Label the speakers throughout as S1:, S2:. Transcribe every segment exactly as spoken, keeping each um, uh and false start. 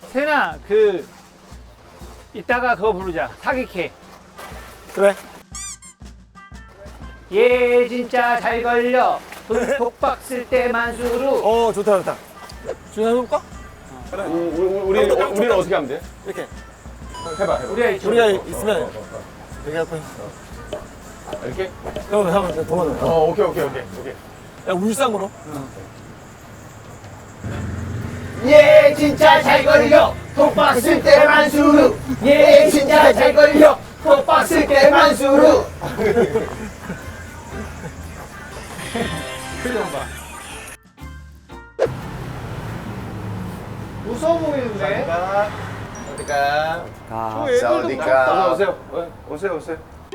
S1: 세나 그 이따가 그거 부르자. 사기캐.
S2: 그래.
S1: 얘 진짜 잘 걸려. 돈 독박 쓸 때만 수루.
S2: 어 좋다 좋다. 준아 해볼까?
S3: 우리, 우리, 우리, 우리는 어떻게 하면 돼?
S2: 이렇게.
S3: 해봐, 해봐.
S1: 우리가 이쪽.
S2: 우리가 있으면 이렇게 할 거야.
S3: 이렇게?
S2: 형, 형, 도망가.
S3: 어, 오케이, 오케이, 오케이. 오케이.
S2: 야, 울상으로.
S1: 얘 진짜 잘 걸려. 독박 쓸 때만 수루. 얘 진짜 잘 걸려. 독박 쓸 때만 수루. 표정 봐. 무서워 보이는데?
S3: 어디가?
S2: 가.
S3: 어서 오세요. 어, 오세요, 오세요.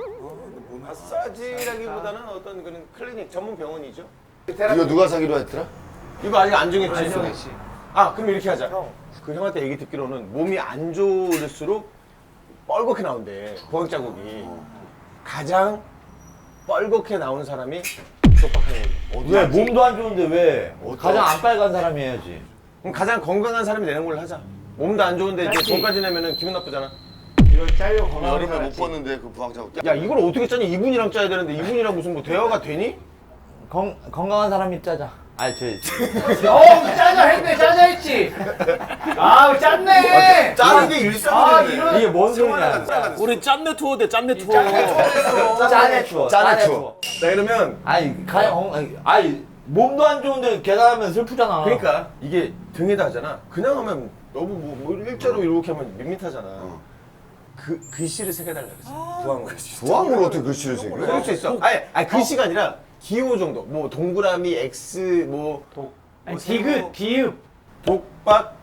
S3: 마사지라기보다는 어떤 그런 클리닉 전문 병원이죠.
S4: 이거 누가 사기로 했더라?
S3: 이거 아직 안 정했지?
S1: 안 정했지.
S3: 아, 그럼 이렇게 하자. 그 형한테 얘기 듣기로는 몸이 안 좋을수록 뻘겋게 나온대. 보행 자국이. 가장 뻘겋게 나온 사람이 독박하는 거지.
S5: 왜 몸도 안 좋은데 왜
S4: 어떤-
S5: 가장 안 빨간 사람이 해야지.
S3: 그럼 가장 건강한 사람이 내는 걸로 하자. 몸도 안 좋은데 이제
S1: 짧지.
S3: 돈까지 내면은 기분 나쁘잖아.
S1: 이걸 잘려 건강.
S4: 여름에 못 봤는데 그 부항자국.
S3: 야, 이걸 어떻게 짜니? 이분이랑 짜야 되는데 이분이랑 무슨 뭐 대화가 되니?
S5: 건, 건강한 사람이 짜자. 아니 저
S1: 어, 짜자 했네, 짜자 했지. 아, 짰네.
S3: 짜는 게 일상이
S1: 아,
S3: 되네.
S1: 이런.
S5: 이게 뭔 소리냐.
S2: 우리 짠내 투어 대 짠내 투어.
S5: 짜네 추워.
S4: 짜네 추워.
S3: 자, 그러면
S5: 아니 가 어, 아니, 아니 몸도 안 좋은데 계단하면 슬프잖아.
S3: 그러니까 이게 등에다 하잖아. 그냥 하면 너무 뭐, 뭐 일자로 이렇게 하면 밋밋하잖아. 그 글씨를 새겨달라 그랬어. 부항으로.
S4: 부항으로 어떻게 글씨를 새겨?
S3: 그럴 수 있어. 아니, 아니 글씨가 아니라 기호 정도. 뭐 동그라미, X, 뭐
S1: 독. 아니, 디귿, 비읍.
S3: 독박,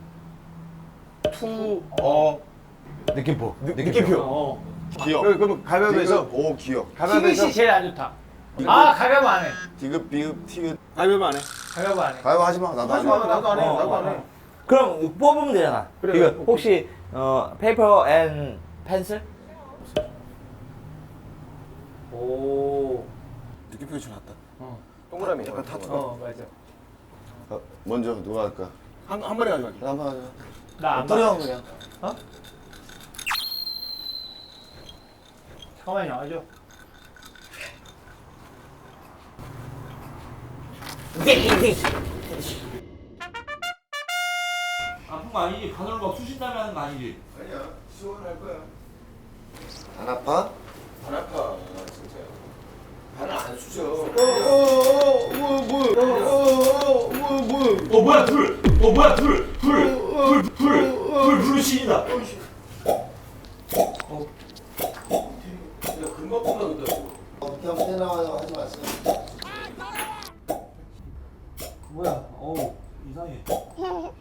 S3: 투, 어,
S5: 느낌표.
S3: 느, 느낌표.
S1: 어.
S4: 기억.
S3: 그럼, 그럼 가위바위보에서
S4: 디귿, 오 기억.
S3: 가위바위보에서
S1: 티귿이 제일 안 좋다. 아, 가위바위보 안 해.
S4: 디귿, 비읍, 티귿.
S2: 가위바위보 안 해.
S1: 가위바위보 안 해.
S4: 가위바위보 하지 마. 나도 하지
S3: 하지 마.
S4: 마.
S3: 나도 안 해.
S5: 어,
S3: 나도 안
S5: 어,
S3: 해.
S5: 어. 그럼 뽑으면 되잖아.
S3: 그래,
S5: 이거
S3: 뽑기.
S5: 혹시 어 페이퍼 앤 펜슬?
S1: 오.
S2: 느낌표 좋았다.
S3: 동그라미.
S4: 약간 타투.
S1: 어, 맞아.
S4: 어, 먼저 누가 할까?
S2: 한, 한 번에 가져갈게.
S4: 한번 하자.
S1: 나안
S2: 어떤
S1: 봐.
S2: 형 그냥.
S1: 잠깐만요, 아죠.
S5: 아픈 거 아니지? 바늘로 막 쑤신다면 하는 거 아니지?
S3: 아니야. 시원할 거야.
S4: 안 아파?
S3: 안 아파. 진짜. 발을 안 쑤셔. 어어어 뭐 뭐야? 어어어 뭐 뭐야?
S5: 어 뭐야 불! 어 뭐야 불! 불! 불! 불! 불! 불 신이다!
S3: 야 금방 끝나겠다.
S4: 어떻게 하면 새 나와요? 하지 마세요.
S5: 뭐야? 어우 이상해.
S4: 어,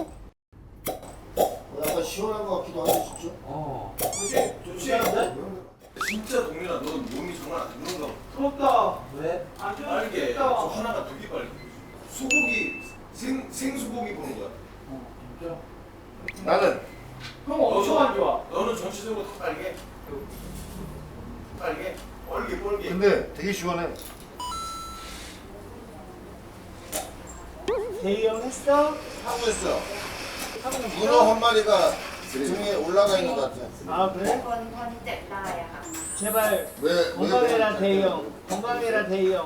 S4: 약간 시원한 것 같기도 하고 진짜.
S5: 어.
S3: 좋지? 좋지? 진짜 동민아, 너 몸이 정말 안 좋은가 봐.
S1: 부럽다.
S5: 왜?
S1: 안 좋은
S3: 빨개. 저 하나가 되게 빨개. 소고기 생 생소고기 보는 거야.
S4: 나는
S1: 형 엄청 안 좋아.
S3: 너는 전체적으로 다 빨개. 빨개. 뻘게 뻘게.
S4: 근데 되게 시원해.
S1: 대형 했어?
S4: 하고 있어. 문어 한 마리가 등에 올라가 있는 것 같아.
S1: 아, 그래?
S6: คนคนเจ็บได้อะค่ะ
S1: 제발
S4: 왜? 왜?
S1: 건강해라 대형. 건강해라 대형.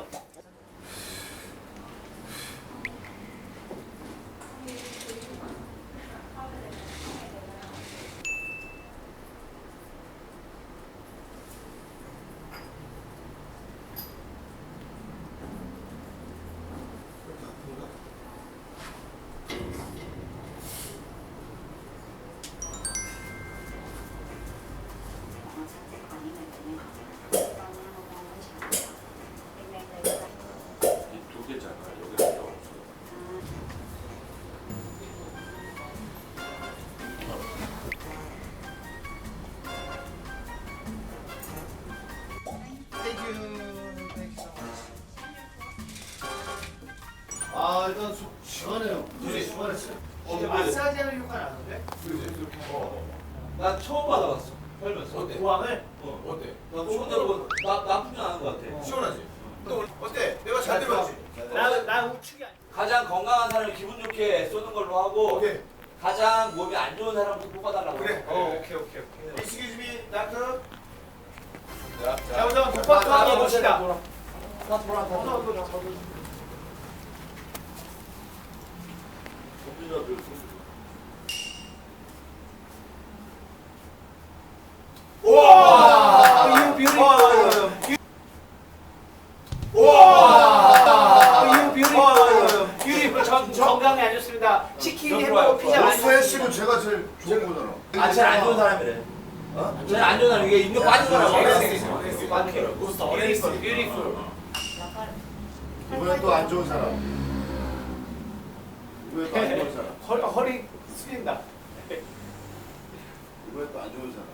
S4: 아 일단 수, 시원해요. 물이 시원했어요.
S1: 이제 마사지하는 효과 나는데?
S5: 난 처음 받아봤어. 살면서.
S3: 어때?
S1: 부항을?
S3: 어 어때?
S5: 나 처음으로 나 나쁘지 않은 것 같아.
S3: 시원하지? 또 어때? 내가 잘 들었지?
S1: 나, 나 우측이 아니야.
S5: 가장 건강한 사람을 기분 좋게 쏘는 걸로 하고
S3: 오케이.
S5: 가장 몸이 안 좋은 사람부터 뽑아달라고. 그래.
S1: 어, 오케이, 오케이, 오케이.
S3: Excuse me, doctor.
S1: 자, 우선 독박도 한번 봅시다. 우와! 유 뷰티풀. 우와! 유 뷰티풀. 뷰티풀. 전 건강에 안 좋습니다. 치킨, 햄버거, 피자 많이
S4: 로스 해시고 제가 제일 좋은 거잖아.
S5: 아, 제일 안 좋은 사람이래. 어? 제일 안 좋은 사람 이게 인력 빠진 사람.
S1: 뷰티풀, 뷰티풀.
S4: 이번엔 또 안 좋은 사람. 이번엔 또 안 좋은 사람.
S1: 허리, 허리 숙인다.
S4: 이번엔 또 안 좋은 사람.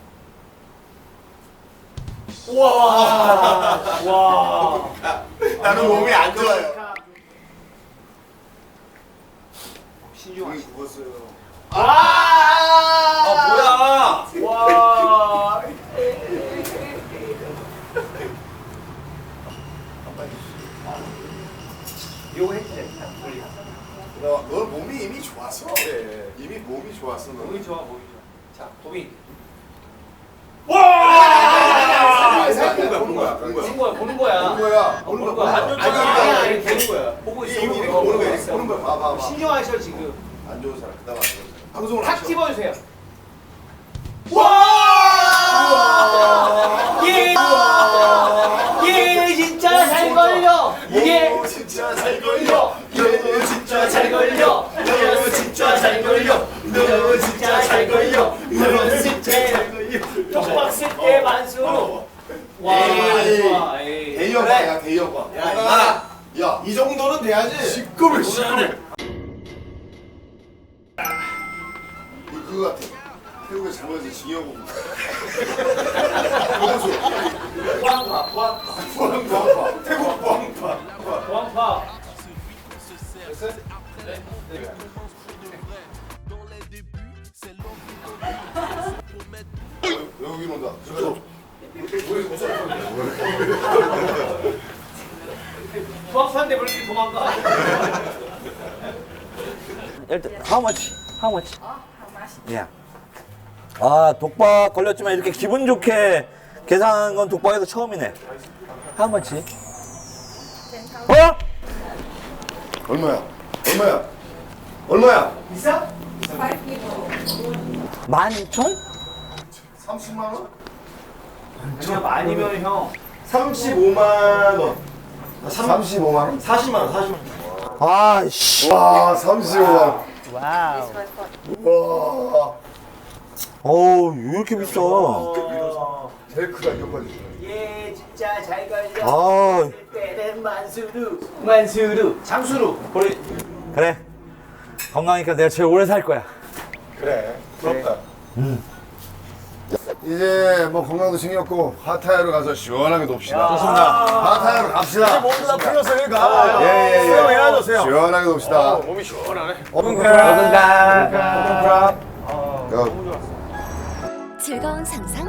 S1: 와, 와.
S3: 나는 몸이 안 좋아요.
S1: 신중하게.
S4: 여기 죽었어요.
S1: 아,
S5: 아, 뭐야?
S1: 와. 요거 해도 돼.
S4: 너, 너 몸이 이미 좋았어. 이미 몸이 좋았어. 너.
S1: 몸이 좋아, 몸이 좋아. 자, 도빈.
S4: 생각해 보는 거야. 보는 거야.
S1: 보는 거야, 보는 거야.
S4: 보는 거야.
S1: 보는 거야.
S4: 아니,
S1: 아니,
S4: 아니,
S1: 아니,
S4: 아니,
S1: 아니, 보는 거야. 보고 있어.
S4: 이렇게
S1: 보고
S4: 보는 거야.
S1: 있어.
S4: 보는 거야. 봐봐, 봐봐.
S1: 신중하셔 지금.
S4: 안 좋은 사람. 그다음 안 좋은 사람. 방송을
S1: 탁
S4: 하셔.
S1: 집어주세요. 와! 예! 예, 진짜 잘 걸려. 예,
S4: 오, 진짜 잘 걸려.
S1: 너 진짜 잘 걸려. 너 진짜 잘 걸려. 너 진짜 잘 걸려. 너 진짜 독박 쓸때 만수로. 와, 좋아. 에이.
S4: 대여과야, 대여과.
S3: 야,
S4: 야,
S3: 이 정도는 돼야지.
S4: 시끄러, 시끄러. 이 그거 같아. 태국에 잘못해서 징역 오고. 고고수.
S1: 보안파, 보안파,
S4: 부항, 부항파. 태국 부항파.
S1: 보안파.
S4: 여기 온다. 저쪽.
S1: 보안파인데 왜 이렇게 도망가?
S7: 일단 how much? How much? Yeah. 아 독박 걸렸지만 이렇게 기분 좋게 계산한 건 독박에서 처음이네. How much? 어?
S4: 얼마야? 얼마야? 얼마야?
S1: 비싸?
S7: 만 이천?
S4: 삼십만 원?
S1: 그냥 많이면 형.
S3: 삼십오만 원.
S4: 삼십오만 원?
S3: 사십만 원, 사십만 원.
S7: 아씨.
S4: 와, 삼십오만 원. 와우. 와.
S7: 어우 왜 이렇게 비싸?
S4: 제일 크다 이거까지.
S1: 예, 진짜 잘 걸려.
S7: 아
S1: 때는 만수루, 만수루, 장수루.
S7: 우리 그래 건강하니까 내가 제일 오래 살 거야.
S3: 그래, 부럽다.
S4: 이제 뭐 건강도 챙겼고 하타야로 가서 시원하게 놉시다.
S3: 좋습니다.
S4: 하타야로 갑시다.
S3: 모두 다 풀렸으니까.
S4: 예예예.
S3: 수영해야죠, 수영.
S4: 시원하게 놉시다.
S3: 몸이 시원하네.
S7: 건강.
S4: 야.
S8: 즐거운 상상